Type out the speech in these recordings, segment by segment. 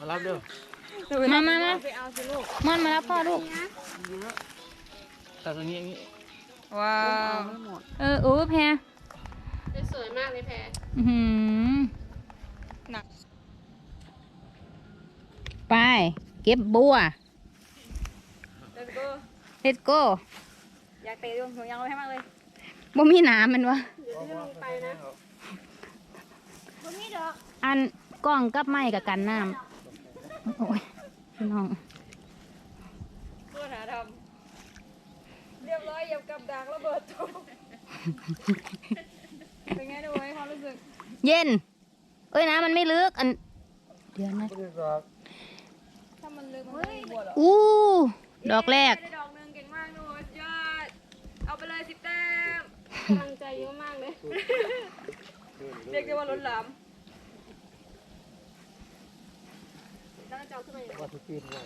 รับเด้อมาไปเอาสิลูกม่อนมารับพ่อลูกตัดตรงนี้อย่างนี้ว้าวแพรสวยมากเลยแพรหนักไปเก็บบัว Let's go อยากเตะดวงหัวยังเลยให้มากเลยบ่มีน้ำมันวะเดี๋ยวที่ลงไปนะบ่มีดอกอันกล้องกับไม้กับกันน้ำโอ้ยพี่น้องตัวหาทำเรียบร้อยเหยียบกับดักระเบิดตัวเป็นไงดูไว้ความรู้สึกเย็นเอ้ยน้ำมันไม่ลึกอันเดี๋ยวนะถ้ามันลึกมันไม่บวชหรอดอกแรกดอกนึงเก่งมากดูยอดเอาไปเลย10 แต้มกำลังใจเยอะมากเลยเรียกได้ว่าล้นหลามแล้วจะเอาขึ้นมาอย่างไรว่าทุกปีนเลย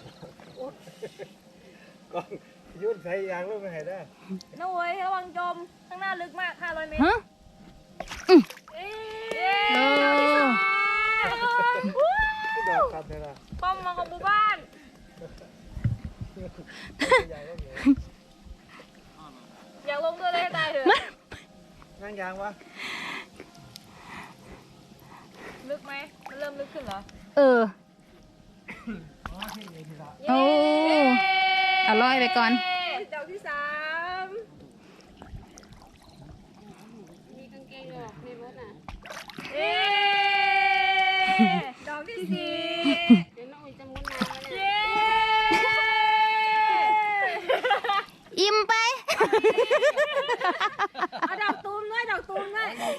ก็ยุ่นใส่ยางลูกไม่ให้ได้น้าเว้ยระวังจมข้างหน้าลึกมาก500 เมตรฮะป้อมมาของหมู่บ้านอยากลงด้วยเลยตายเถอะนั่งยางวะลึกไหมมันเริ่มลึกขึ้นเหรอโอ้เอาลอยไปก่อนดอกที่3มีกางเกงดอกในรถน่ะดอกที่4เดี๋ยวน้องอุ้ยจะมุดน้ำแล้วเนี่ยอิ่มไปเอาดอกตูมด้วยเอาดอกตูม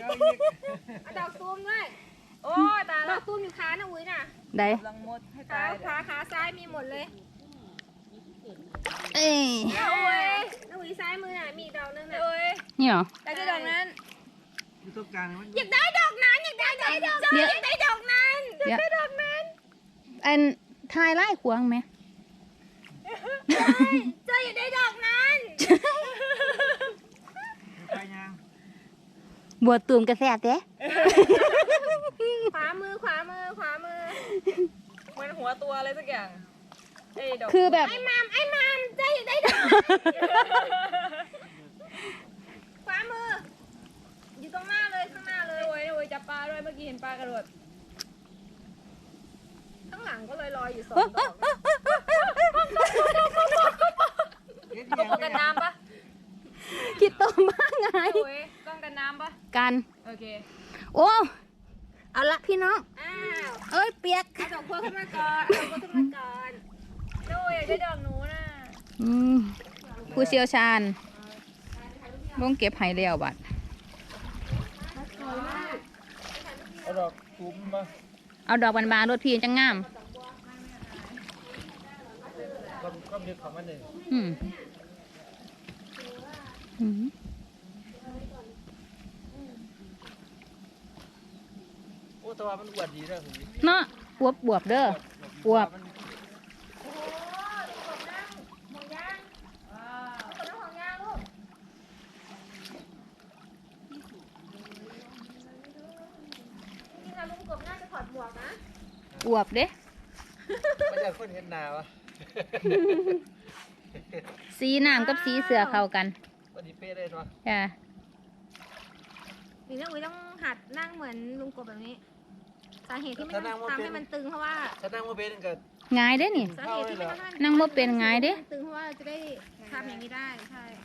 ด้วยโอ้ยตาดอกตูมอยู่ขานะอุ้ยน่ะได้ลังมดให้ตายขาซ้ายมีหมดเลยน้าอุ้ยซ้ายมือน่ะมีดอกนึงน่ะนี่เหรออยากได้ดอกนั้นอยู่ตรงกลางอยากได้ดอกนั้นอันทายไล่ขวางไหมเจ้าอยากได้ดอกนั้นบัวตูมกระแสเด้ขวามือมันหัวตัวอะไรสักอย่างคือแบบไอ้มามเจ้าอยากได้ดอกขวามืออยู่ตรงหน้าเลยข้างหน้าเลยโอ้ยจับปลาด้วยเมื่อกี้เห็นปลากระโดดข้างหลังก็ลอยอยู่2 ดอกต้องกันน้ำปะคิดตัวมากไงต้องกันน้ำปะกันโอเคโอ้เอาละพี่น้องเอ้ยเปียกเอาดอกบัวขึ้นมาก่อนโอ้ยได้ดอกหนูน่ะผู้เชี่ยวชาญลงเก็บไห่เลี้ยวบัดเอาดอกตุ้มมาเอาดอกบานๆรถพี่จังงามก็มีของมันหนึ่งโอ้ตัวมันอวดดีเด้อเนาะบวบเด้อบวบอวบเด้ไม่ใช่คนเห็นหนาวะสีน้ำกับสีเสือเข้ากันวันนี้เป๊ะเลยเนาะจ้ะนี่นะอุ้ยต้องหัดนั่งเหมือนลุงกบแบบนี้สาเหตุที่ไม่ต้องทำให้มันตึงเพราะว่าถ้านั่งว่าเป็นกันง่ายเด้นี่สาเหตุที่ไม่ต้องนั่งว่าเป็นง่ายเด้ตึงเพราะว่าจะได้ทำอย่างนี้ได้ใช่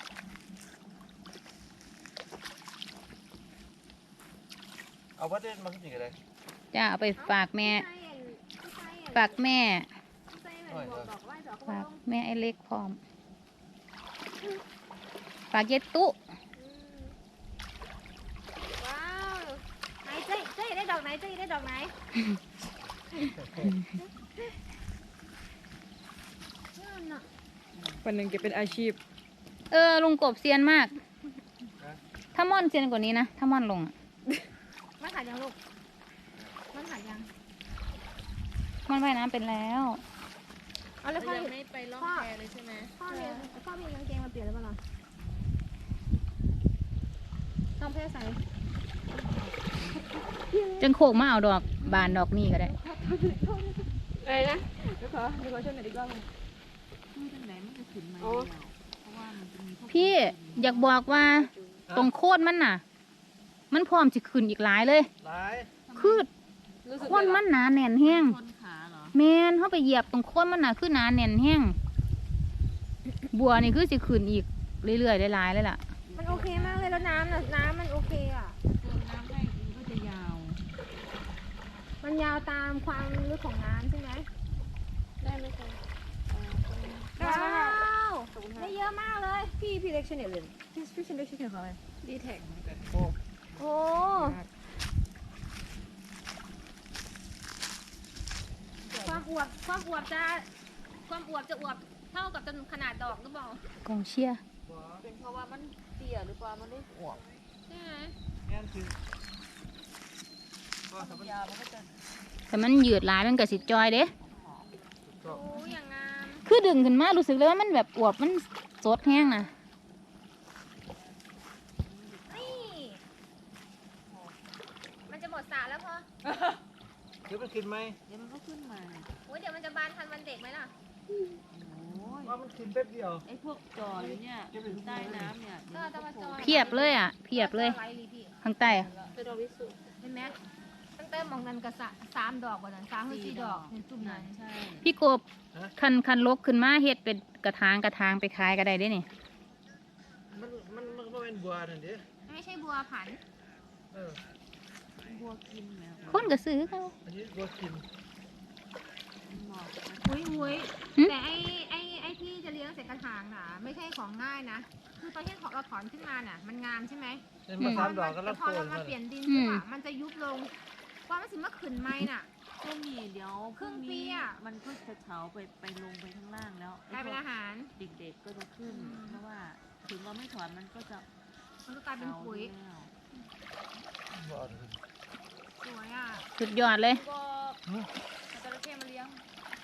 เอาวัดเด่นมาขึ้นอีกอะไรจ้ะเอาไปฝากแม่ฝากแม่ไอ้เล็กพร้อมฝากเย็ดตุ๊ว้าวไหนเจ๊ได้ดอกไหนวันหนึ่งจะเป็นอาชีพลุงกบเซียนมากถ้าม่อนเซียนกว่านี้นะถ้าม่อนลงมันขาดยังลูกมันขาดยังมันว่ายน้ำเป็นแล้วเอาเลยพ่อไม่ไปล่องแพเลยใช่ไหมพ่อมีกางเกงมาเปลี่ยนหรือเปล่าต้องเพื่อใส่จังโคกมาเอาดอกบานดอกนี่ก็ได้อะไรนะเดี๋ยวขอช่วยหน่อยดีกว่าคือจังไหนมันจะขึ้นมาอ๋อแล้วเพราะว่ามันจะมีพวกพี่อยากบอกว่าตรงโคตรมันน่ะ มันพร้อมจะขึ้นอีกหลายเลยหลายคือรู้สึกโคนมันหนาแน่นแห้งชนขาเหรอแมนเข้าไปเหยียบตรงโคนมันน่ะคือหนาแน่นแห้งบัวนี่คือจะขึ้นอีกเรื่อยๆหลายๆเลยล่ะมันโอเคมากเลยแล้วน้ำน่ะน้ำมันโอเคอ่ะเติมน้ำให้มันก็จะยาวมันยาวตามความลึกของน้ำใช่ไหมได้ไหมคะว้าวได้เยอะมากเลยพี่เล็กชแนลเลยพี่ชแนลชื่อเขาอะไรดีแท็กโอ้โอ้ความอวบจะอวบเท่ากับจนขนาดดอกหรือเปล่ากองเชียร์เป็นเพราะว่ามันเตี้ยหรือเปล่ามันได้อวบใช่ไหมแม่นคือก็สำหรับยาวมันก็จะแต่มันยืดหลายมันก็สิจอยเด้โอ้อย่างงามคือดึงขึ้นมารู้สึกเลยว่ามันแบบอวบมันสดแห้งนะนี่มันจะหมดสระแล้วพอเดี๋ยวมันขึ้นไหมเดี๋ยวมันก็ขึ้นมาโอ้ยเดี๋ยวมันจะบานทันวันเด็กไหมล่ะโอ้ยว่ามันขึ้นแป๊บเดียวไอ้พวกจออยู่เนี่ยใต้น้ำเนี่ยก็จะมาจอยเพียบเลยอ่ะเพียบเลยไว้ลีพี่ข้างใต้อะเป็นดอกวิสุเห็นไหมตั้งแต่มองนั้นก็สามดอกกว่านั้น3 4 ดอกในจุ่มนั้นใช่พี่กบคันลกขึ้นมาเฮ็ดเป็นกระถางไปขายก็ได้เด้นี่มันก็เป็นบัวนั่นดิไม่ใช่บัวผันเออบัวกินแมวคนก็ซื้อเขาอันนี้บัวกินเหมาะนะอุ้ยหึแต่ไอ้ที่จะเลี้ยงเสร็จกระถางน่ะ ไม่ใช่ของง่ายนะ คือตอนที่เราถอนขึ้นมาน่ะ มันงามใช่ไหมเป็นมา3 ดอกก็แต่รับพอโกเรานมามาเปลี่ยนดินใช่ปะมันจะยุบลงว่ามันสิมาขึ้นไม้น่ะช่วงนี้เดี๋ยวครึ่งปีนี้อะมันก็จะเฉาไปลงไปข้างล่างแล้วกลายเป็นอาหารเด็กๆก็จะขึ้น เพราะว่าถึงเราไม่ถอนมันก็จะมันก็กลายเป็นปุ๋ยแล้วบัวสวยอ่ะสุดยอดเลยก็จระเข้มาเลี้ยง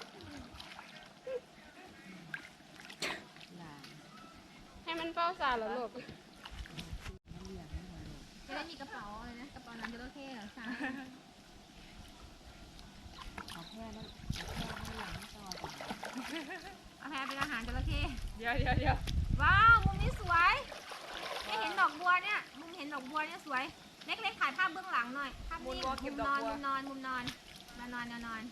หลานให้มันเฝ้าสาเหรอลูกมันเลี้ยงไม่ไหวหรอกจะได้มีกระเป๋าอะไรนะ กระเป๋าน้ำจระเข้เหรอสาเอาแค่นั้นเอาแค่นั้นหลังไม่ต่อจ้ะเอาแพรเป็นอาหารจระเข้เดี๋ยวว้าวมุมนี้สวยไม่เห็นดอกบัวเนี่ยมุมเห็นดอกบัวเนี่ยสวย เล็กๆถ่ายภาพเบื้องหลังหน่อยภาพนิ่งมุมนอนมุมนอนมุมนอนแนวนอน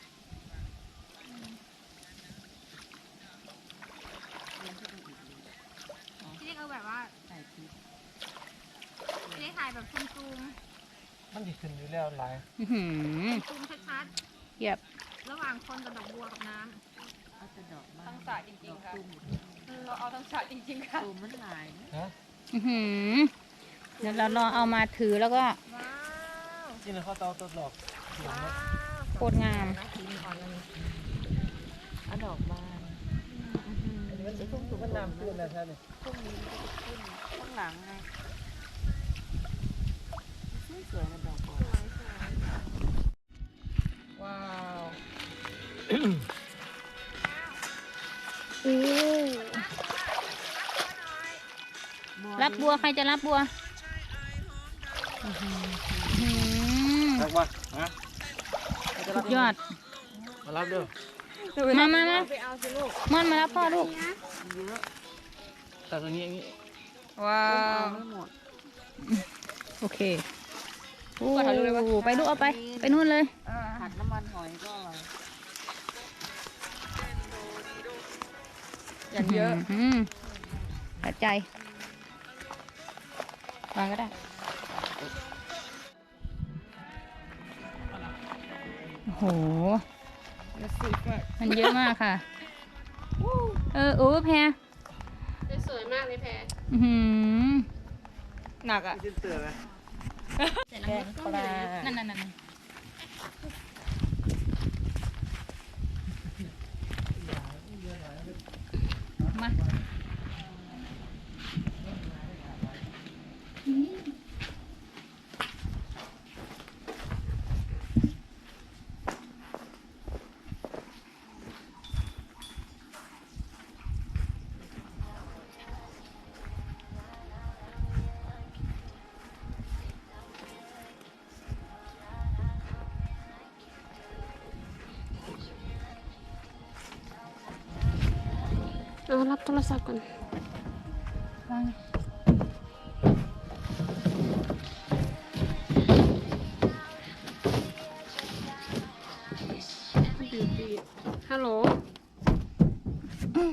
เลี้ยงขึ้นไปอีกเลยที่เรียกเอาแบบว่าใส่พริกที่เรียกถ่ายแบบซูมมันจะขึ้นอยู่แล้วหลายอื้อหือซูมชัดเพียบๆระหว่างคนกับดอกบัวกับน้เอาแต่ดอกไม้ทั้งสระจริงๆค่ะดอกตุ้มเราเอาทั้งฉากจริงๆค่ะตุ้มมันหลายนะฮะอื้อหือเดี๋ยวเราลองเอามาถือแล้วก็ำว้าวนี่นะเขาเตาตัวหลอกว้าวโคตรงามสีอ่อนเลยเอาดอกบานมันจะทุ่มมันน้ำขึ้นนะท่านนี่พวกนี้มันจะขึ้นข้างหลังไงสวยๆนะดอกบานว้าวอู้รับบัวใครจะรับบัวอื้อหือรักวะฮะสุดยอดมารับเด้อมาไปเอาสิลูกม่อนมารับพ่อลูกเยอะตัดตรงนี้อย่างนี้ว้าเอาวไม่หมดโอเคโอ้ไปลูกเอาไป ไปนู่นเลยผัดน้ำมันหอยก็อร่อยอย่างเยอะปัจจัย วางก็ได้ โอ้โห มันเยอะมากค่ะ โอ้แพรสวยมากเลยแพรอื้อหือหนักอ่ะที่เตือนไหมแกงปลานั่นมาเอารับโทรศัพท์ก่อนวางฮัลโหล